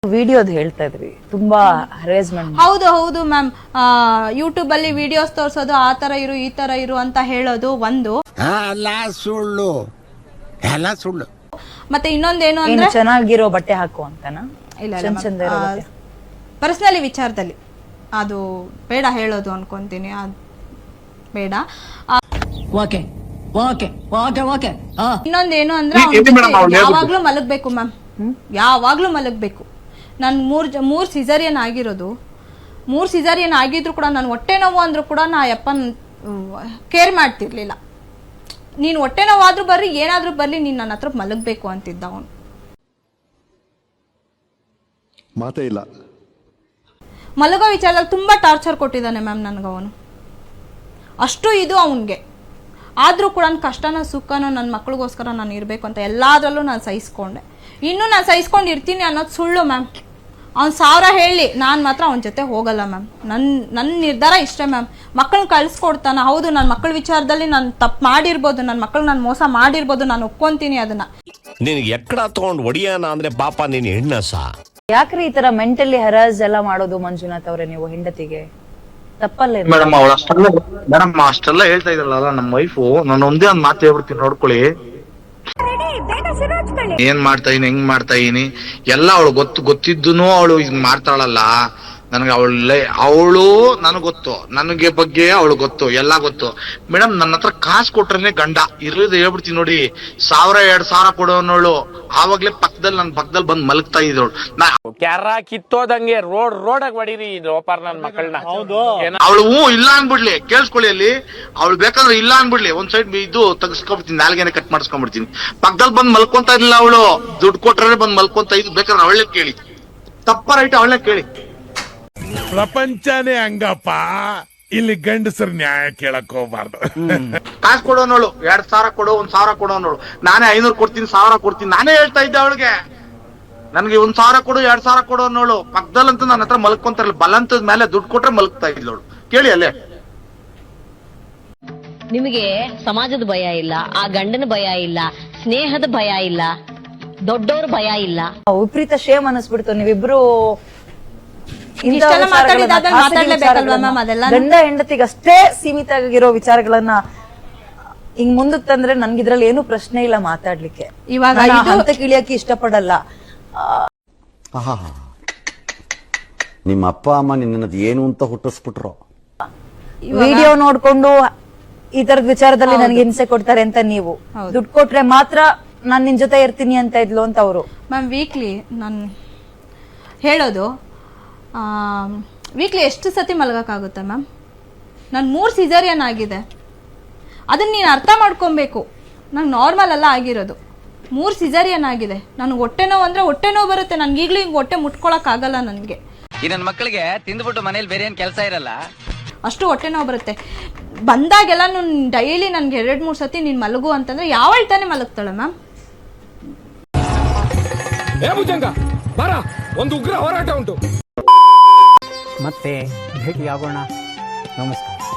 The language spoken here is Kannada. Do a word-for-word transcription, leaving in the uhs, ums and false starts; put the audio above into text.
ವಿಡಿಯೋದು ಹೇಳ್ತಾ ಇದ್ರಿ ತುಂಬಾ ಹರೇಸ್ಮೆಂಟ್. ಹೌದು ಹೌದು ಮ್ಯಾಮ್, ಯೂಟ್ಯೂಬ್ ಅಲ್ಲಿ ವಿಡಿಯೋಸ್ ತೋರ್ಸೋದು, ಆ ತರ ಇರು ಈ ತರ ಇರು ಅಂತ ಹೇಳೋದು ಒಂದು, ಸುಳ್ಳು ಎಲ್ಲ ಸುಳ್ಳು. ಮತ್ತೆ ಇನ್ನೊಂದೇನು ಅಂದ್ರೆ ಚೆನ್ನಾಗಿರೋ ಬಟ್ಟೆ ಹಾಕು ಅಂತನಾ? ಇಲ್ಲ, ಪರ್ಸನಲಿ ವಿಚಾರದಲ್ಲಿ ಅದು ಬೇಡ ಹೇಳೋದು ಅನ್ಕೊಂತೀನಿ, ಅದು ಬೇಡ. ಇನ್ನೊಂದೇನು ಅಂದ್ರೆ ಯಾವಾಗ್ಲೂ ಮಲಗ್ಬೇಕು ಮ್ಯಾಮ್, ಯಾವಾಗ್ಲೂ ಮಲಗ್ಬೇಕು. ನನ್ ಮೂರ್ ಮೂರ್ ಸಿಸರಿಯನ್ ಆಗಿರೋದು, ಮೂರ್ ಸಿಸರಿಯನ್ ಆಗಿದ್ರು ಕೂಡ ನಾನು ಹೊಟ್ಟೆ ನೋವು ಅಂದ್ರೂ ಕೂಡ ನಾ ಯಪ್ಪನ್ ಕೇರ್ ಮಾಡ್ತಿರ್ಲಿಲ್ಲ. ನೀನ್ ಹೊಟ್ಟೆ ನೋವಾದ್ರೂ ಬರ್ರಿ, ಏನಾದ್ರೂ ಬರ್ಲಿ, ನೀನ್ ನನ್ನ ಹತ್ರ ಮಲಗ್ಬೇಕು ಅಂತಿದ್ದ ಅವನು. ಮಾತೇ ಇಲ್ಲ. ಮಲಗೋ ವಿಚಾರದಲ್ಲಿ ತುಂಬಾ ಟಾರ್ಚರ್ ಕೊಟ್ಟಿದ್ದಾನೆ ಮ್ಯಾಮ್ ನನಗೆ ಅವನು. ಅಷ್ಟು ಇದು ಅವನ್ಗೆ. ಆದ್ರೂ ಕೂಡ ನನ್ನ ಕಷ್ಟನೋ ಸುಖನೋ ನನ್ನ ಮಕ್ಳಿಗೋಸ್ಕರ ನಾನು ಇರಬೇಕು ಅಂತ ಎಲ್ಲಾದ್ರಲ್ಲೂ ನಾನು ಸಹಿಸ್ಕೊಂಡೆ. ಇನ್ನೂ ನಾನು ಸಹಿಸ್ಕೊಂಡು ಇರ್ತೀನಿ ಅನ್ನೋದು ಸುಳ್ಳು ಮ್ಯಾಮ್. ಅವ್ನು ಸಾವಿರ ಹೇಳಿ ನಾನು ಮಾತ್ರ ಅವನ ಜೊತೆ ಹೋಗಲ್ಲ ಮ್ಯಾಮ್. ನನ್ನ ನನ್ನ ನಿರ್ಧಾರ ಇಷ್ಟೇ ಮ್ಯಾಮ್. ಮಕ್ಕಳನ್ನ ಕಳಿಸ್ಕೊಡ್ತಾನ, ಹೌದು ನನ್ನ ಮಕ್ಕಳ ವಿಚಾರದಲ್ಲಿ ನಾನು ತಪ್ಪು ಮಾಡಿರ್ಬೋದು, ನನ್ನ ಮಕ್ಕಳು ನಾನು ಮೋಸ ಮಾಡಿರ್ಬೋದು, ನಾನು ಒಪ್ಕೊಂತೀನಿ ಅದನ್ನ. ನಿನಗೆ ಎಕ್ಕಡ ತಗೊಂಡು ಒಡಿಯಾನ ಅಂದ್ರೆ ಪಾಪ ನೀನು ಹೆಣ್ಣಸ. ಯಾಕ್ರಿ ಈ ತರ ಮೆಂಟಲಿ ಹರಾಸ್ ಎಲ್ಲ ಮಾಡೋದು ಮಂಜುನಾಥ್ ಅವ್ರೆ ನೀವು ಹೆಂಡತಿಗೆ? ತಪ್ಪಲ್ಲ ಮೇಡಮ್. ಅವಳು ಅಷ್ಟೆಲ್ಲ ಮೇಡಮ್ ಅಷ್ಟೆಲ್ಲ ಹೇಳ್ತಾ ಇದ್ರಲ್ಲ ನಮ್ಮ ವೈಫು, ನಾನು ಒಂದೇ ಒಂದ್ ಮಾತು ಹೇಳ್ಬಿಡ್ತೀನಿ ನೋಡ್ಕೊಳ್ಳಿ. ಏನ್ ಮಾಡ್ತಾ ಇದೀನಿ, ಹೆಂಗ್ ಮಾಡ್ತಾ ಇದೀನಿ ಎಲ್ಲ ಅವಳು ಗೊತ್ತು. ಗೊತ್ತಿದ್ದೂನು ಅವಳು ಹಿಂಗ್ ಮಾಡ್ತಾಳಲ್ಲ ನನಗೆ. ಅವಳ ಅವಳು ನನಗ್ ಗೊತ್ತು, ನನಗೆ ಬಗ್ಗೆ ಅವಳು ಗೊತ್ತು, ಎಲ್ಲ ಗೊತ್ತು ಮೇಡಮ್. ನನ್ನ ಹತ್ರ ಕಾಸು ಕೊಟ್ರೇನೆ ಗಂಡ ಇರೋದು ಹೇಳ್ಬಿಡ್ತೀನಿ ನೋಡಿ. ಸಾವಿರ ಎರಡ್ ಸಾವಿರ ಕೊಡೋನವಳು ಆವಾಗ್ಲೇ ಪಕ್ಕದಲ್ಲಿ ನನ್ ಪಕ್ಕದಲ್ಲಿ ಬಂದ್ ಮಲಗ್ತಾ ಇದ್ದವಳು. ಕ್ಯಾರ ಕಿತ್ತೋದಂಗೆ ರೋಡ್ ರೋಡಾಗ ಹೊಡೀರಿ ಲೋಪಾರ್ ನನ್ ಮಕ್ಕಳನ್ನ. ಅವಳು ಹ್ಞೂ ಇಲ್ಲ ಅನ್ಬಿಡ್ಲಿ, ಕೇಳಿಸ್ಕೊಳ್ಳಿ. ಅಲ್ಲಿ ಅವಳು ಬೇಕಾದ್ರೆ ಇಲ್ಲ ಅನ್ಬಿಡ್ಲಿ, ಒಂದ್ ಸೈಡ್ ಇದು ತೆಗಿಸ್ಕೊಂಡ್ಬಿಡ್ತೀನಿ, ನಾಲ್ಗೆನೆ ಕಟ್ ಮಾಡಿಸ್ಕೊಂಡ್ಬಿಡ್ತೀನಿ. ಪಕ್ಕದಲ್ಲಿ ಬಂದ್ ಮಲ್ಕೊಂತ ಇರ್ಲಿಲ್ಲ ಅವಳು, ದುಡ್ಡು ಕೊಟ್ರೆ ಬಂದ್ ಮಲ್ಕೊಂತ ಇದ್ದು. ಬೇಕಾದ್ರೆ ಅವಳೇ ಕೇಳಿ, ತಪ್ಪ ರೈಟ್ ಅವಳೇ ಕೇಳಿ. ಪ್ರಪಂಚನೇ ಹಂಗಪ್ಪ, ಇಲ್ಲಿ ಗಂಡಸರು ನ್ಯಾಯ ಕೇಳಕ್ ಹೋಗ್ಬಾರ್ದು. ಕಾಸು ಕೊಡೋನೋಳು, ಎರಡ್ ಸಾವಿರ ಕೊಡು, ಒಂದ್ ಸಾವಿರ ಕೊಡೋನೋಳು. ನಾನೇ ಐನೂರು ಕೊಡ್ತೀನಿ, ಸಾವಿರ ಕೊಡ್ತೀನಿ, ನಾನೇ ಹೇಳ್ತಾ ಇದ್ದೆ ಅವಳಿಗೆ. ನನ್ಗೆ ಒಂದ್ ಸಾವಿರ ಕೊಡು, ಎರಡ್ ಸಾವಿರ ಕೊಡೋನೋಳು. ಪಕ್ಕದಲ್ಲಂತೂ ನನ್ನ ಹತ್ರ ಮಲ್ಕೊಂತಾರಲ್ಲ, ಬಲಂತದ ಮೇಲೆ ದುಡ್ಡು ಕೊಟ್ರೆ ಮಲಗ್ತಾ ಇದ್ಲವಳು. ಕೇಳಿ ಅಲ್ಲೇ. ನಿಮಗೆ ಸಮಾಜದ ಭಯ ಇಲ್ಲ, ಆ ಗಂಡನ ಭಯ ಇಲ್ಲ, ಸ್ನೇಹದ ಭಯ ಇಲ್ಲ, ದೊಡ್ಡವ್ರ ಭಯ ಇಲ್ಲ. ವಿಪರೀತ ಶೇಮ್ ಅನಿಸ್ಬಿಡ್ತು ನೀವಿಬ್ರು ಗಂಡ ಹೆಂಡತಿಗೆ ಅಷ್ಟೇ ಸೀಮಿತ ಆಗಿರೋ ವಿಚಾರಗಳನ್ನ ಹಿಂಗ್ ಮುಂದಕ್ ತಂದ್ರೆ ನನ್ಗೆ ಇದ್ರಲ್ಲಿ ಏನು ಪ್ರಶ್ನೆ ಇಲ್ಲ ಮಾತಾಡ್ಲಿಕ್ಕೆ. ಇವಾಗ ಹಂತಕ್ಕೆ ಇಳಿಯಕ್ಕೆ ಇಷ್ಟಪಡಲ್ಲ. ನಿಮ್ಮ ಅಪ್ಪ ಅಮ್ಮ ನಿನ್ನದು ಏನು ಅಂತ ಹುಟ್ಟಿಸ್ಬಿಟ್ರು. ವಿಡಿಯೋ ನೋಡ್ಕೊಂಡು ಈ ತರದ ವಿಚಾರದಲ್ಲಿ ನನ್ಗೆ ಹಿಂಸೆ ಕೊಡ್ತಾರೆ ಅಂತ ನೀವು, ದುಡ್ಡು ಕೊಟ್ರೆ ಮಾತ್ರ ನಾನ್ ನಿನ್ ಜೊತೆ ಇರ್ತೀನಿ ಅಂತ ಇದ್ಲು ಅಂತ ಅವರು. ಮ್ಯಾಮ್ ವೀಕ್ಲಿ ನಾನು ಹೇಳೋದು, ವೀಕ್ಲಿ ಎಷ್ಟು ಸತಿ ಮಲಗೋಕ್ಕಾಗುತ್ತೆ ಮ್ಯಾಮ್? ನಾನು ಮೂರು ಸಿಸರಿಯನ್ ಆಗಿದೆ, ಅದನ್ನ ನೀನು ಅರ್ಥ ಮಾಡ್ಕೊಬೇಕು. ನಂಗೆ ನಾರ್ಮಲ್ ಅಲ್ಲ ಆಗಿರೋದು, ಮೂರು ಸಿಸರಿಯನ್ ಆಗಿದೆ. ನನಗೆ ಹೊಟ್ಟೆ ನೋವು ಅಂದ್ರೆ ಹೊಟ್ಟೆ ನೋವು ಬರುತ್ತೆ. ನನ್ಗೆ ಈಗಲೂ ಹಿಂಗೆ ಹೊಟ್ಟೆ ಮುಟ್ಕೊಳಕ್ ಆಗಲ್ಲ ನನಗೆ. ಈ ನನ್ನ ಮಕ್ಕಳಿಗೆ ತಿಂದ್ಬಿಟ್ಟು ಮನೇಲಿ ಬೇರೆ ಏನ್ ಕೆಲಸ ಇರಲ್ಲ, ಅಷ್ಟು ಹೊಟ್ಟೆ ನೋವು ಬರುತ್ತೆ. ಬಂದಾಗೆಲ್ಲ ನಾನು ಡೈಲಿ ನನ್ಗೆ ಎರಡ್ ಮೂರ್ ಸತಿ ನೀನ್ ಮಲಗು ಅಂತಂದ್ರೆ ಯಾವ ಹೇಳ್ತಾನೆ ಮಲಗ್ತಾಳೆ ಮ್ಯಾಮ್. ಒಂದು ಉಗ್ರ ಹೋರಾಟ ಉಂಟು. ಮತ್ತೆ ಭೇಟಿಯಾಗೋಣ. ನಮಸ್ಕಾರ.